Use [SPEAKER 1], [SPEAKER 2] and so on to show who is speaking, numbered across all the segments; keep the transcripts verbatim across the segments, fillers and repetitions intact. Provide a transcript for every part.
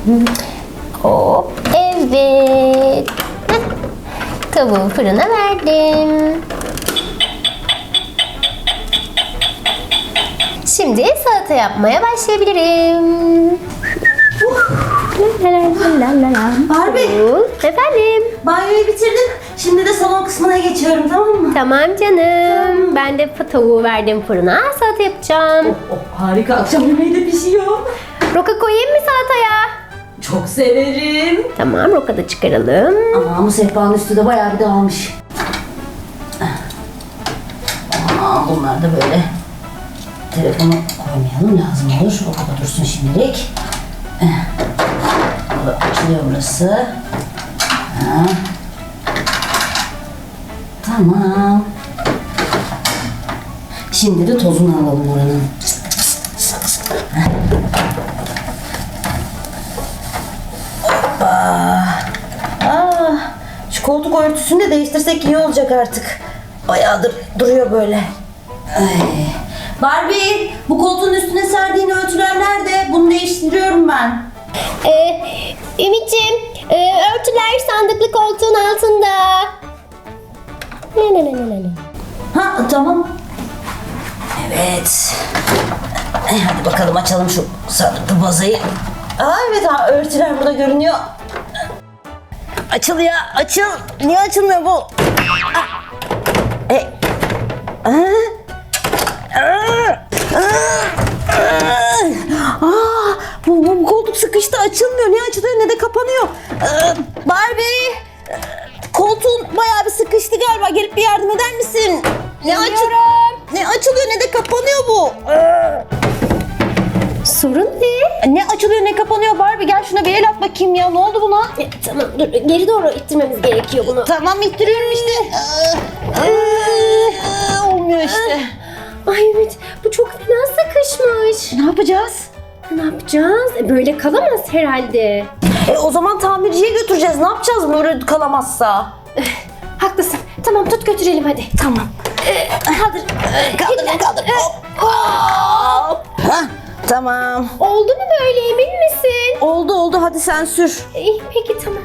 [SPEAKER 1] Hop, evet. Heh. Tavuğu fırına verdim. Şimdi salata yapmaya başlayabilirim.
[SPEAKER 2] Barbie.
[SPEAKER 1] Efendim?
[SPEAKER 2] Banyoyu bitirdim. Şimdi de salon kısmına geçiyorum, tamam mı?
[SPEAKER 1] Tamam canım. Ben de tavuğu verdim fırına. Salata yapacağım.
[SPEAKER 2] Oh, oh, harika. Akşam yemeği de pişiyor.
[SPEAKER 1] Roka koyayım mı salataya?
[SPEAKER 2] Çok severim.
[SPEAKER 1] Tamam, roka da çıkaralım.
[SPEAKER 2] Ama bu sehpanın üstü de bayağı bir dağılmış. Aa, bunlar da böyle. Telefonu koymayalım, lazım olur. O kadar dursun şimdilik. Burada açılıyor burası. Ha. Tamam. Şimdi de tozunu alalım oranın. Hoppa. Aa, şu koltuk örtüsünü de değiştirsek iyi olacak artık. Bayağıdır duruyor böyle. Ay. Barbie, bu koltuğun üstüne serdiğin örtüler nerede? Bunu değiştiriyorum ben.
[SPEAKER 1] Ee, Ümit'ciğim, e, örtüler sandıklı koltuğun altında. Ne ne ne ne ne.
[SPEAKER 2] Ha, tamam. Evet. E, hadi bakalım açalım şu sarıklı bazayı. Aa, evet, ha, örtüler burada görünüyor. Açıl ya, açıl. Niye açılmıyor bu? Ah. E. Aa. Aa. Aa, bu, bu, bu koltuk sıkıştı, açılmıyor. Ne açılıyor ne de kapanıyor. Ee, Barbie, koltuğun bayağı bir sıkıştı galiba. Gelip bir yardım eder misin? Ne açılıyor? Ne açılıyor ne de kapanıyor bu. Ee,
[SPEAKER 1] Sorun ne?
[SPEAKER 2] Ne açılıyor ne kapanıyor Barbie? Gel şuna bir el at bakayım ya. Ne oldu buna?
[SPEAKER 1] E, tamam, dur, geri doğru ittirmemiz gerekiyor bunu.
[SPEAKER 2] Tamam, ittiriyorum işte. Ee, olmuyor işte.
[SPEAKER 1] Ay Ümit, bu çok fena sıkışmış.
[SPEAKER 2] Ne yapacağız?
[SPEAKER 1] Ne yapacağız? E, böyle kalamaz herhalde.
[SPEAKER 2] E, o zaman tamirciye götüreceğiz. Ne yapacağız böyle kalamazsa?
[SPEAKER 1] Haklısın. Tamam, tut götürelim hadi.
[SPEAKER 2] Tamam.
[SPEAKER 1] Ee, kaldır.
[SPEAKER 2] Kaldır, kaldır. Hop. Hop. Hah, tamam.
[SPEAKER 1] Oldu mu böyle, emin misin?
[SPEAKER 2] Oldu oldu, hadi sen sür.
[SPEAKER 1] İyi, peki tamam.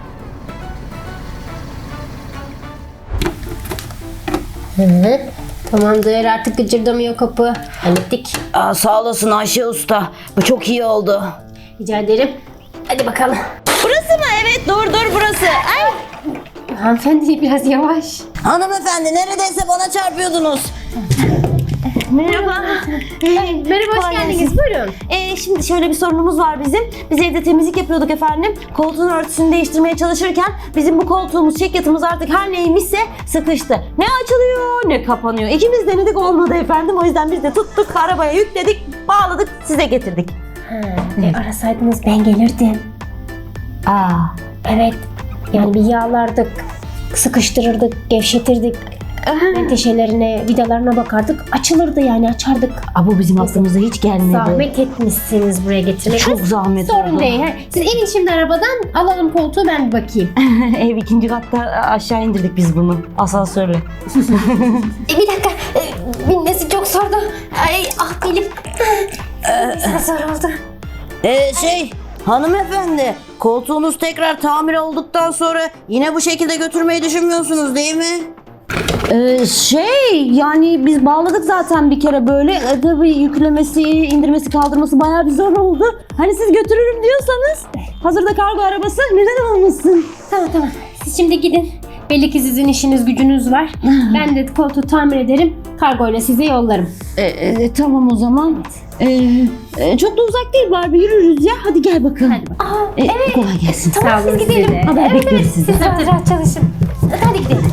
[SPEAKER 1] Hı, tamamdır, artık gıcırdamıyor kapı. Hallettik.
[SPEAKER 2] Aa, sağ olasın Ayşe Usta. Bu çok iyi oldu.
[SPEAKER 1] Rica ederim. Hadi bakalım.
[SPEAKER 2] Burası mı? Evet, dur dur burası. Ay.
[SPEAKER 1] Hanımefendi biraz yavaş.
[SPEAKER 2] Hanımefendi, neredeyse bana çarpıyordunuz.
[SPEAKER 1] Merhaba. Merhaba, hoş
[SPEAKER 2] Kolay
[SPEAKER 1] geldiniz.
[SPEAKER 2] gelsin.
[SPEAKER 1] Buyurun.
[SPEAKER 2] Ee, şimdi şöyle bir sorunumuz var bizim. Biz evde temizlik yapıyorduk efendim. Koltuğun örtüsünü değiştirmeye çalışırken bizim bu koltuğumuz, çekyatımız artık her neymişse sıkıştı. Ne açılıyor ne kapanıyor. İkimiz denedik, olmadı efendim. O yüzden biz de tuttuk, arabaya yükledik, bağladık, size getirdik.
[SPEAKER 1] Ha, e, arasaydınız ben gelirdim.
[SPEAKER 2] Aa.
[SPEAKER 1] Evet. Yani bir yağlardık, sıkıştırırdık, gevşetirdik. Menteşelerine, vidalarına bakardık. Açılırdı yani, açardık.
[SPEAKER 2] Aa, bu bizim aklımıza hiç gelmedi.
[SPEAKER 1] Zahmet etmişsiniz buraya getirmek.
[SPEAKER 2] Çok zahmet
[SPEAKER 1] Sorun
[SPEAKER 2] oldu.
[SPEAKER 1] değil. Ha. Siz inin şimdi arabadan, alalım koltuğu, ben bir bakayım.
[SPEAKER 2] Ev ikinci katta, aşağı indirdik biz bunu asansörle.
[SPEAKER 1] E, bir dakika, e, binmesi çok zordu. Ay, ah benim. Binmesi zor oldu.
[SPEAKER 2] Ee, şey hanımefendi, koltuğunuz tekrar tamir olduktan sonra yine bu şekilde götürmeyi düşünmüyorsunuz değil mi? Ee, şey yani biz bağladık zaten bir kere böyle. E, tabii yüklemesi, indirmesi, kaldırması bayağı bir zor oldu. Hani siz götürürüm diyorsanız, hazırda kargo arabası, neden olmasın?
[SPEAKER 1] Tamam tamam, siz şimdi gidin. Belli ki sizin işiniz gücünüz var. Ben de koltuğu tamir ederim. Kargoyla size yollarım.
[SPEAKER 2] E, e, tamam o zaman. E, e, çok da uzak değil Barbie, yürürüz ya. Hadi gel bakalım.
[SPEAKER 1] Hadi bakalım.
[SPEAKER 2] Aa, evet. Kolay gelsin.
[SPEAKER 1] Tamam, siz gidelim.
[SPEAKER 2] Haber
[SPEAKER 1] Evet,
[SPEAKER 2] bekleriz
[SPEAKER 1] evet,
[SPEAKER 2] sizi.
[SPEAKER 1] siz rahat rahat çalışın. Hadi gidelim.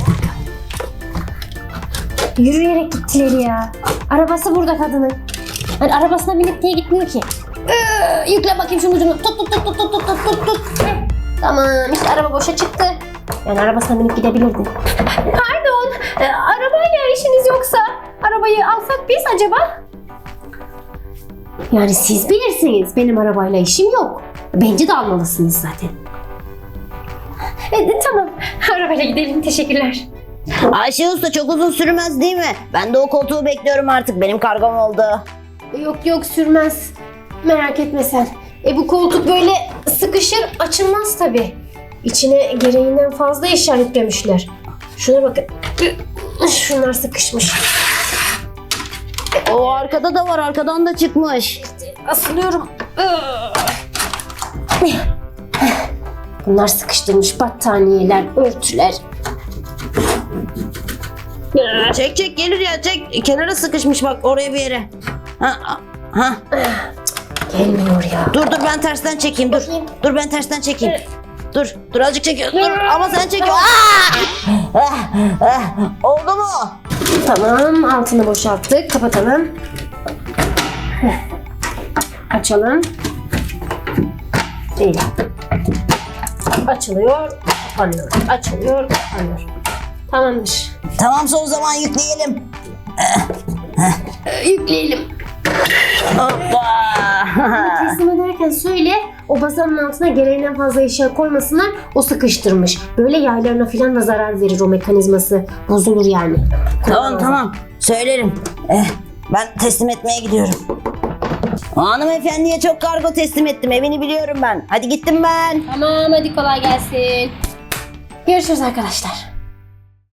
[SPEAKER 1] Yürüyerek gittiler ya. Arabası burada kadının. Hani arabasına binip niye gitmiyor ki? Ee, yükle bakayım şunun ucunu. Tut tut tut tut tut tut tut tut. Heh. Tamam, işte araba boşa çıktı. Yani arabasına binip gidebilirdi. Pardon, e, arabayla işiniz yoksa arabayı alsak biz acaba? Yani siz bilirsiniz, benim arabayla işim yok. Bence de almalısınız zaten. E, tamam, arabayla gidelim, teşekkürler.
[SPEAKER 2] Ayşe Usta, çok uzun sürmez değil mi? Ben de o koltuğu bekliyorum artık. Benim kargom oldu.
[SPEAKER 1] Yok yok, sürmez. Merak etme sen. E bu koltuk böyle sıkışır, açılmaz tabii. İçine gereğinden fazla eşya yüklemişler. Şuna bakın. Şunlar sıkışmış.
[SPEAKER 2] O arkada da var, arkadan da çıkmış.
[SPEAKER 1] Asılıyorum. Bunlar sıkıştırmış battaniyeler, örtüler.
[SPEAKER 2] Çek çek gelir ya, çek. Kenara sıkışmış bak, oraya bir yere. Ha, ha.
[SPEAKER 1] Gelmiyor ya.
[SPEAKER 2] Dur dur ben tersten çekeyim, dur. Dur ben tersten çekeyim. Dur, dur azıcık çekiyor. Dur ama sen çekiyor. Aa! Ah, ah. Oldu mu?
[SPEAKER 1] Tamam, altını boşalttık. Kapatalım. Açalım. Değil. Açılıyor, kapanıyor. Açılıyor, kapanıyor. Tamamdır.
[SPEAKER 2] Tamamsa o zaman yükleyelim.
[SPEAKER 1] Ee, yükleyelim.
[SPEAKER 2] Hoppa.
[SPEAKER 1] Teslim ederken söyle, o bazanın altına gereğinden fazla eşya koymasınlar, o sıkıştırmış. Böyle yaylarına falan da zarar verir o mekanizması. Bozulur yani.
[SPEAKER 2] Tamam tamam söylerim. Eh, ben teslim etmeye gidiyorum. Hanımefendiye çok kargo teslim ettim, evini biliyorum ben. Hadi gittim ben.
[SPEAKER 1] Tamam, hadi kolay gelsin. Görüşürüz arkadaşlar.